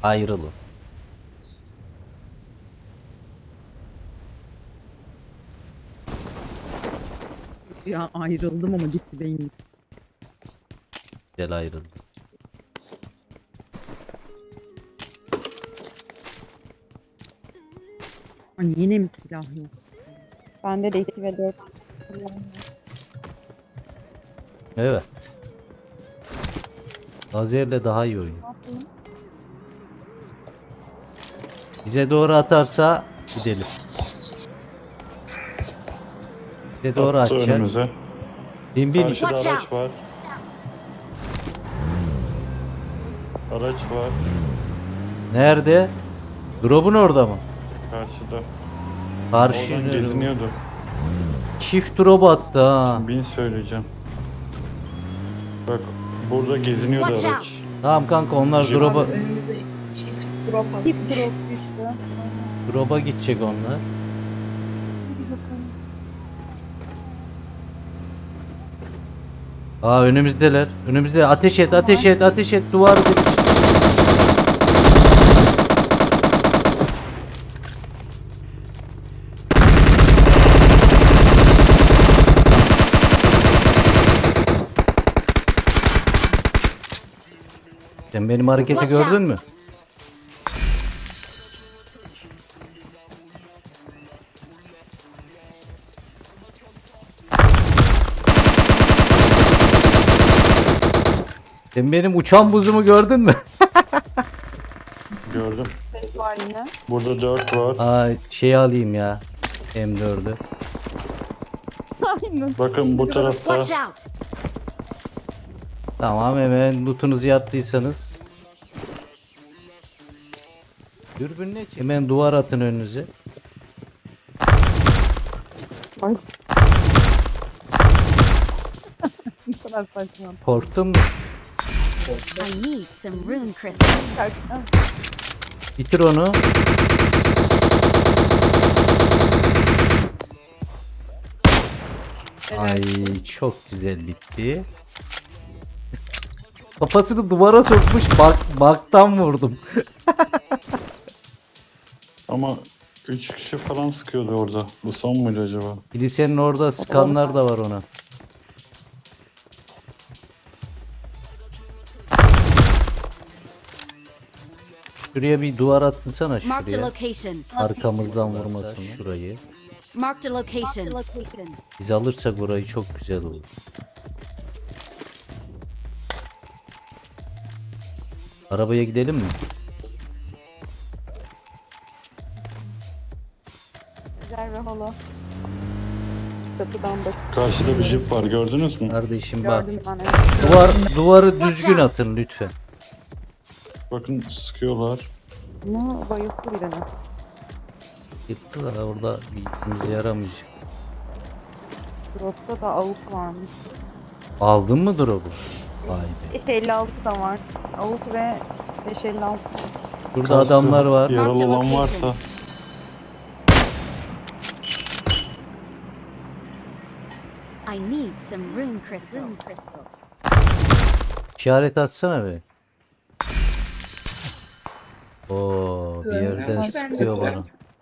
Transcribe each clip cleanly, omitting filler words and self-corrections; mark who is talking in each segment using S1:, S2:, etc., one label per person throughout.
S1: Ayrılın.
S2: Ya ayrıldım ama gitti beyin.
S1: Gel ayrılın.
S2: Ay yine mi silah yok?
S3: Bende de 2 ve 4.
S1: Evet. Lazerle daha iyi oynuyor. Bize doğru atarsa gidelim. Bize doğru
S4: Attı
S1: atacak.
S4: önümüze.
S1: Bin.
S4: Karşıda
S5: Watch
S4: araç
S5: out.
S4: var. Araç var.
S1: Nerede? Drop'un orada mı?
S4: Karşıda.
S1: Karşı
S4: Oradan
S1: yönü-
S4: geziniyordu.
S1: Çift drop attı ha.
S4: Bin söyleyeceğim. Bak burada geziniyordu
S5: Watch
S4: araç.
S5: out.
S1: Tamam kanka onlar drop'a
S3: Önümüzde çift drop atmış.
S2: Hip drop düştü.
S1: drop'a gidecek onlar. Aa önümüzdeler. Önümüzde ateş et, ateş et, ateş et duvar. Sen benim hareketi
S5: Watch
S1: gördün
S5: out.
S1: mü? Sen benim uçan buzumu gördün mü?
S4: Gördüm.
S3: Ses var yine.
S4: Burada 4 var.
S1: Aa şey alayım ya. M4'ü.
S2: Aynen.
S4: Bakın bu tarafta.
S5: Watch out.
S1: Tamam hemen lootunuzu yaptıysanız. Dürbünle çek. Hemen duvar atın önünüze.
S2: Ay. Bu kadar saçma.
S1: Korktun mu?
S5: I need some rune crystals.
S1: Bitir onu. Ay çok güzel bitti. Kafasını duvara sokmuş baktan vurdum.
S4: Ama 3 kişi falan sıkıyordu orada. Bu son muydu acaba?
S1: Kilisenin orada skanlar da var ona. Şuraya bir duvar atsana
S5: Marked a
S1: şuraya.
S5: location.
S1: Arkamızdan vurmasın şurayı.
S5: Marked a location.
S1: Biz alırsak orayı çok güzel olur. Arabaya gidelim mi?
S3: Güzel ve holo. Çatıdan bak.
S4: Karşıda bir jip var gördünüz mü?
S1: Kardeşim bak.
S3: Gördüm ben evet.
S1: Duvarı düzgün atın lütfen.
S4: Bakın sıkıyorlar.
S3: Ama bayılttı birini.
S1: Yıktılar orada bir işimize yaramayacak.
S3: Drop'ta da avuk varmış.
S1: Aldın mı drop'u? Vay be.
S3: 556 da var. Avuk ve 556.
S1: Burada
S4: Kaskı,
S1: adamlar var.
S4: Yaralı olan varsa.
S5: I need some rune crystals.
S1: İşaret atsana be. Oo bir yerden sıkıyor bana.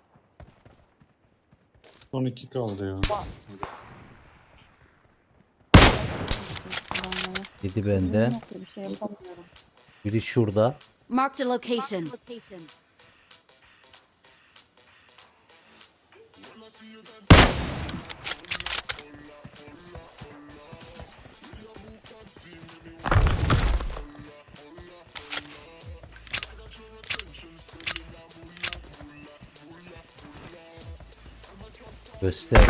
S4: Son 2 kaldı ya.
S1: Yedi benden.
S3: Bir şey yapamıyorum.
S1: Biri şurada.
S5: Marked a location.
S1: Göster.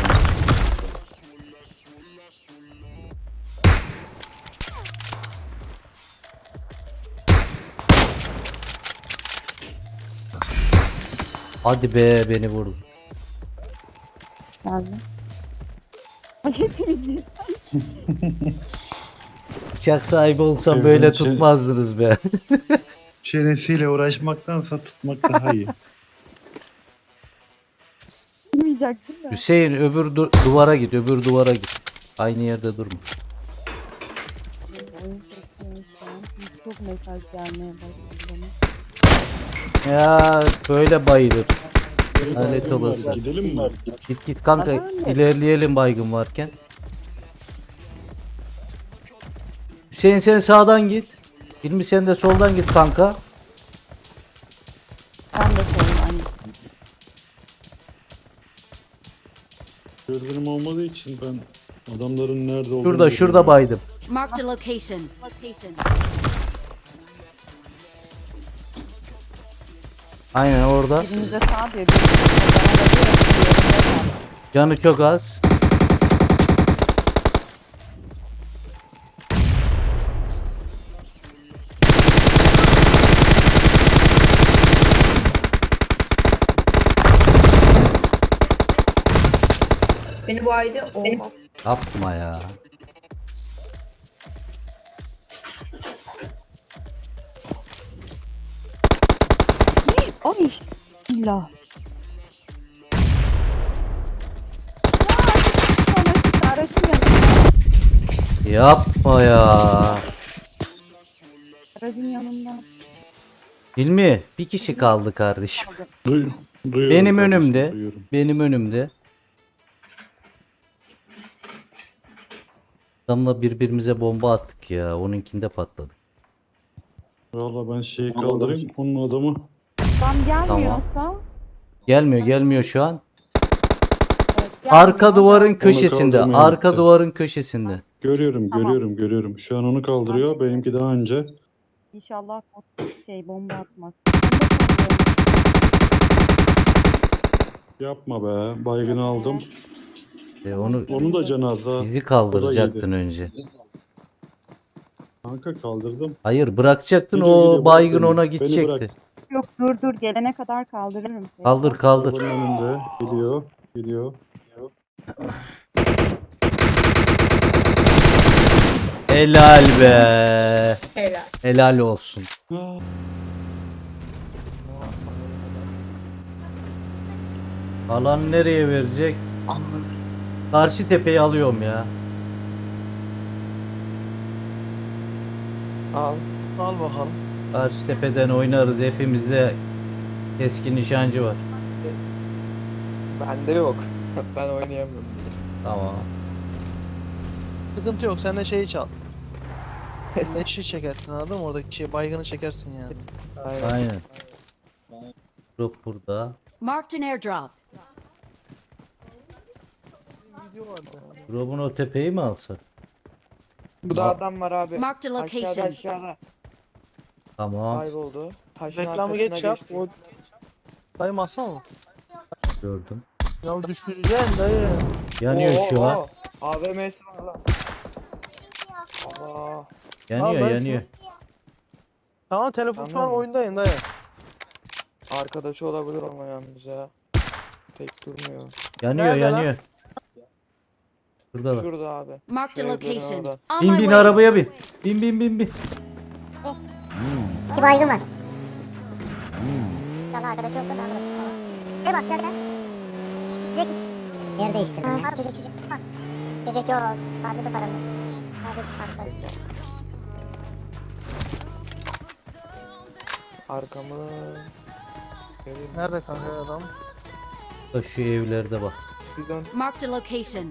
S1: Hadi be beni vurdu.
S3: Geldi.
S1: Bıçak sahibi olsam
S4: Evet,
S1: böyle
S4: şey-
S1: tutmazdınız be.
S4: Çenesiyle uğraşmaktansa tutmak daha iyi.
S3: Bilmeyecek değil mi?
S1: Hüseyin öbür duvara git, öbür duvara git. Aynı yerde durma.
S3: Oyun sesleri şu an çok mesaj gelmeye başladı bana.
S1: Ya böyle bayılır.
S4: Bir
S1: Lanet
S4: baygın var,
S1: olası.
S4: gidelim mi?
S1: Git git kanka, ilerleyelim baygın varken. Hüseyin sen sağdan git. Hilmi sen de soldan git kanka.
S3: Ben de söyleyeyim.
S4: Dürbünüm olmadığı için ben adamların nerede olduğunu
S1: Şurada
S4: bilmiyorum.
S1: baydım.
S5: Marked a location.
S1: Aynen orada.
S3: Birinize sağ diyor. Birinize bana da diyor. Diğerinde sağ.
S1: Canı çok az.
S6: Beni bu ayda olmaz.
S1: Yapma ya.
S3: Ay. İlla. Aracın yanında.
S1: Yapma ya.
S3: Aracın yanında.
S1: Hilmi bir kişi kaldı kardeşim.
S4: Duyuyorum
S1: Benim
S4: kardeşim,
S1: önümde.
S4: duyuyorum.
S1: Benim önümde. Adamla birbirimize bomba attık ya. Onunkinde patladı.
S4: Valla ben şeyi kaldırayım. Onun adamı
S3: Tam gelmiyorsa.
S1: Gelmiyor şu an.
S3: Evet, gelmiyor.
S1: Arka duvarın köşesinde.
S4: kaldırmaya
S1: Arka
S4: gitti.
S1: duvarın köşesinde.
S4: görüyorum,
S3: Tamam.
S4: görüyorum. Şu an onu kaldırıyor. Benimki daha önce.
S3: İnşallah bomba atmaz.
S4: Yapma be. Baygını aldım.
S1: Onu
S4: Onu da cenaze.
S1: bizi kaldıracaktın önce.
S4: Kanka kaldırdım.
S1: Hayır, bırakacaktın,
S4: Geliyor,
S1: o
S4: geliyor,
S1: baygın
S4: bırak beni.
S1: ona
S4: Beni
S1: gidecekti.
S4: bırak.
S3: Yok dur gelene kadar kaldırırım seni.
S1: Kaldır.
S4: Arabanın önünde. Geliyor.
S1: Helal be.
S6: Helal.
S1: Helal olsun. Alan nereye verecek? Karşı tepeyi alıyorum ya.
S7: Al bakalım.
S1: Karşı tepeden oynarız. Hepimizde keskin nişancı var.
S7: Bende yok. Ben oynayamıyorum.
S1: Tamam.
S8: Sıkıntı yok, sen de şeyi çal. Leşi çekersin, anladın mı? Oradaki şey baygını çekersin yani.
S1: Aynen. Drop burada.
S5: Marked an airdrop.
S8: Video vardı.
S1: Drop'un o tepeyi mi alsak?
S7: Bu da adam var abi.
S5: Marked a
S7: Aşağıda
S5: location.
S7: aşağıda.
S1: Tamam.
S7: Kayboldu. Taşın
S8: Reklamı
S7: arkasına
S8: geç yap.
S7: geçti.
S8: O... Dayı masa mı?
S1: Gördüm.
S8: Ya düşüreceksin dayı.
S1: Yanıyor şu an.
S7: AVM'si var lan. Allah.
S1: Yanıyor
S8: Al lan
S1: yanıyor.
S8: Tamam, telefon şu an
S7: Tamam.
S8: oyundayım dayı.
S7: Arkadaşı olabilir ama yalnız ya. Pek durmuyor.
S1: Yanıyor
S8: Nerede lan?
S1: yanıyor. Şurada bak.
S7: Şurada abi.
S5: Marked a
S7: Şu evlerin
S5: location.
S7: orada.
S5: On
S1: Bin
S5: my
S1: bin
S5: way.
S1: arabaya bin. Bin.
S9: İki baygın var. Daha arkadaşı yoktu da arkadaş. Ne bas ya bir de? İçecek iç. Yer değiştirdim. Ha, çocuk. Bas. Çocuk yok. Sabri de sarılmış. Sabri sarılmış.
S7: Arkamı. Göreyim.
S8: Nerede kanka adam?
S1: Şu evlerde bak.
S5: Marked a location.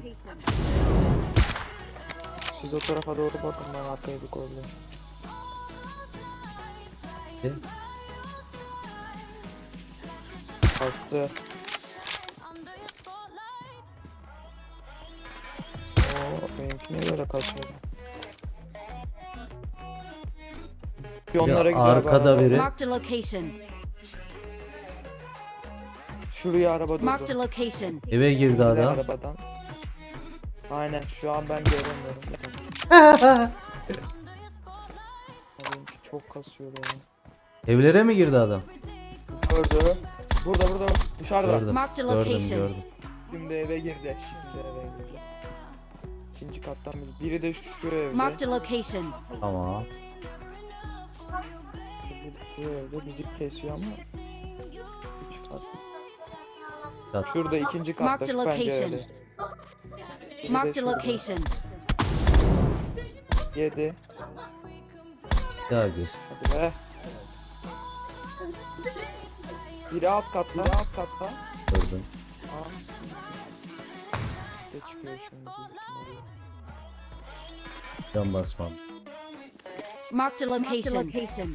S7: Siz o tarafa doğru bakın, ben arkaya bir kollayayım. Bastı. Benimki niye böyle kasıyor? Onlara
S1: Ya,
S7: gidiyor
S1: arkada
S7: araba.
S1: biri.
S5: Marked a location.
S7: Şuraya araba durdu.
S5: Marked a location.
S1: Eve girdi
S7: İndiler
S1: adam.
S7: arabadan. Aynen, şu an ben göremiyorum. Benimki çok kasıyor yani.
S1: Evlere mi girdi adam?
S7: Gördü. Burada dışarıda.
S1: Gördüm.
S5: Marked a location.
S1: Gördüm.
S7: Şimdi eve girdi. İkinci kattan biri de şu evde.
S5: Marked a location.
S1: Tamam.
S7: Bu evde bizi kesiyor ama. Üç kat.
S1: Kat.
S7: Şurada ikinci katta
S5: Marked
S7: şu
S5: a location.
S7: pencerede. Biri de
S5: Marked a
S7: şurada.
S5: location.
S7: 7.
S1: Bir daha göster.
S7: Hadi be. Biri alt katta. Biri alt katta.
S1: Gördüm.
S7: Aa. Ne çıkıyor şimdi?
S1: Can basmam.
S5: Marked a location.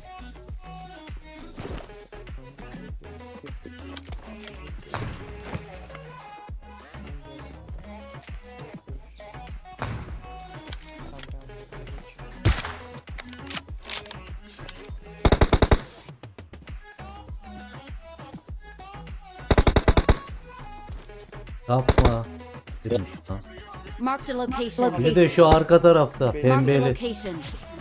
S1: Yapma. Girmiş lan.
S5: Marked a location.
S1: Bir de şu arka tarafta
S5: Marked a
S1: pembeli.
S5: location.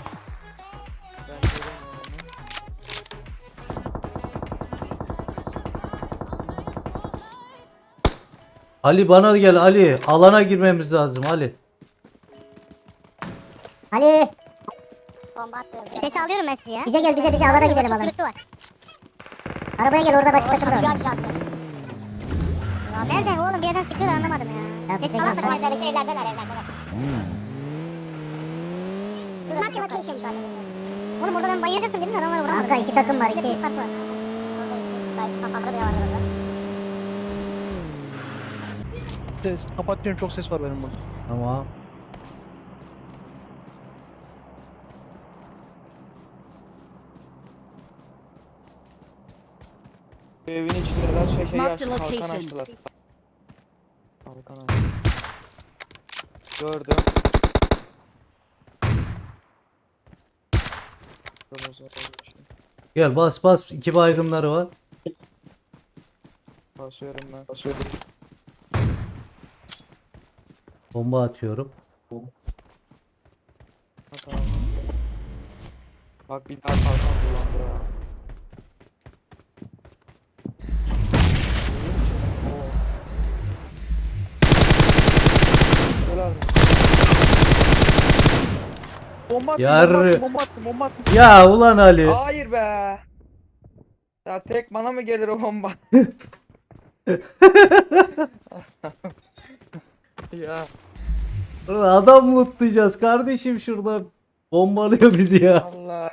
S1: Ali bana gel Ali. Alana girmemiz lazım Ali.
S9: Ali. Bomba atıyorum. Sesi alıyorum ben sizi ya. Bize gel bize alana gidelim alana. Arabaya gel orada başka kaçımız var. Şu an. Ya nerede oğlum bir yerden sıkıyorlar anlamadım ya. Ya bize gel. Aşağıdaki evlerdeler. Mark location. Oğlum orada ben bayılacaktım değil mi? Adamlar vuramadı. Arka iki takım var iki. Belki kafamda bile var orada.
S8: Ses kapatıyorum, çok ses var benim burada.
S1: Tamam.
S7: Evin içindeler şey
S5: Marked
S7: açtı,
S5: location.
S7: kalkan açtılar. Kalkan açtı. Gördüm.
S1: Gel bas. İki baygınları var.
S7: Basıyorum ben. Basıyorum.
S1: Bomba atıyorum.
S7: At abi. Bak bir daha kalkan kullandı ya. Oo. Helal. Bomba attım,
S1: Yarrı.
S7: bomba attım.
S1: Ya ulan Ali.
S7: Hayır be. Ya tek bana mı gelir o bomba? Ya
S1: Burada adam mı lootlayacağız kardeşim şurada. Bombalıyor bizi ya.
S7: Allah.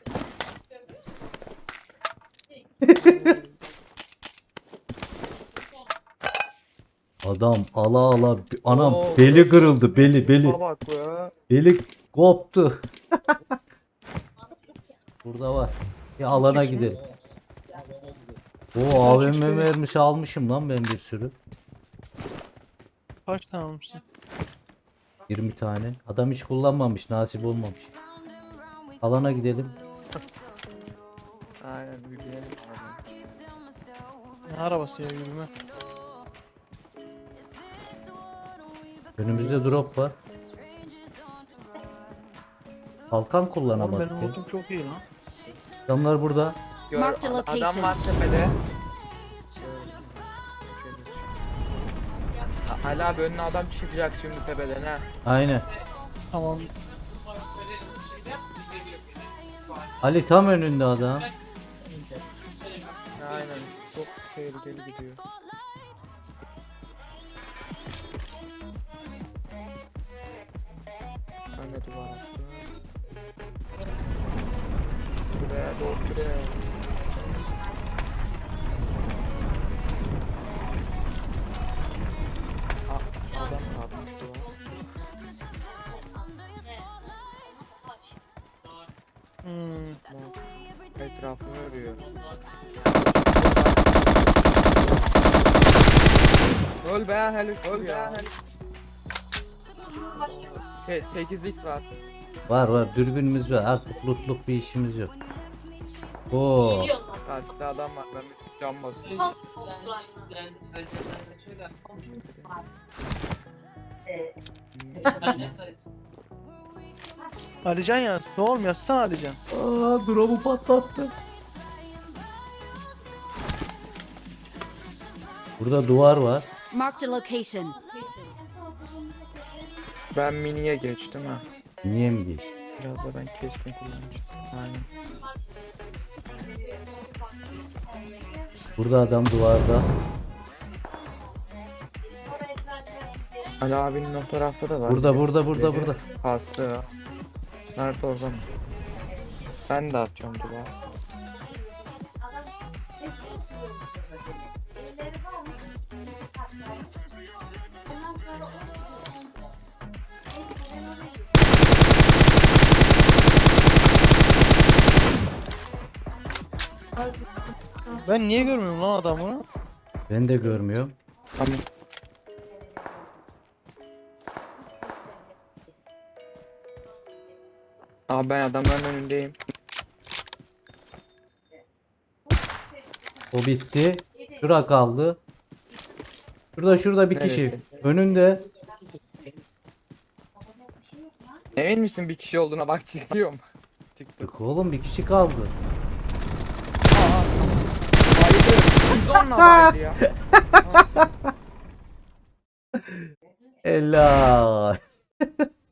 S1: Adam ala anam
S7: Oo,
S1: beli kırıldı beli.
S7: Bak be.
S1: Beli koptu. Burada var. Bir alana gidelim. O AVM mermisi almışım lan ben bir sürü.
S8: Kaç tane almışsın?
S1: 20 tane. Adam hiç kullanmamış, nasip olmamış. Alana gidelim.
S7: Aynen yürüyelim abi.
S8: Ne arabası ya, yürüme.
S1: Önümüzde drop var. Kalkan
S8: Oğlum
S1: kullanamadık
S8: benim
S1: ya.
S8: lootum çok iyi lan.
S1: Adamlar burada.
S5: Marked a location.
S7: Adam var tepede. Hala abi önüne adam çıkacak şimdi tepeden ha.
S1: Aynen.
S8: Tamam.
S1: Ali tam önünde adam.
S7: Aynen çok tehlikeli gidiyor. Ben de duvar attım. Buraya doğru buraya. Adam kalmış duvar. Etrafını örüyor. Öl be helal öl ya. 8x var.
S1: Var dürbünümüz var. Artık lootluk bir işimiz yok. Oo.
S7: Karşıda adam var. Ben bir cam basayım.
S8: Alican ya, ne oğlum yazsana Alican.
S1: Aa, drop'u patlattı. Burada duvar var.
S5: Marked a location.
S7: Ben miniye geçtim ha.
S1: Niye mi geçti?
S7: Biraz da ben keskin kullanmıştım. Aynen.
S1: Burada adam duvarda.
S7: Ali abinin o tarafta da var.
S1: Burada.
S7: Kastı. Nerede o zaman? Ben de atacağım duvar.
S8: Ben niye görmüyorum lan adamı?
S1: Ben de görmüyorum.
S7: Tamam. Abi ben adamların önündeyim.
S1: O bitti. Şura kaldı. Şurada bir kişi.
S7: Neresi?
S1: Önünde.
S7: Emin misin bir kişi olduğuna bak çıkıyorum. Çıktı.
S1: Yok oğlum bir kişi kaldı.
S7: Bayıldı. Zonla bayıldı ya.
S1: Helal.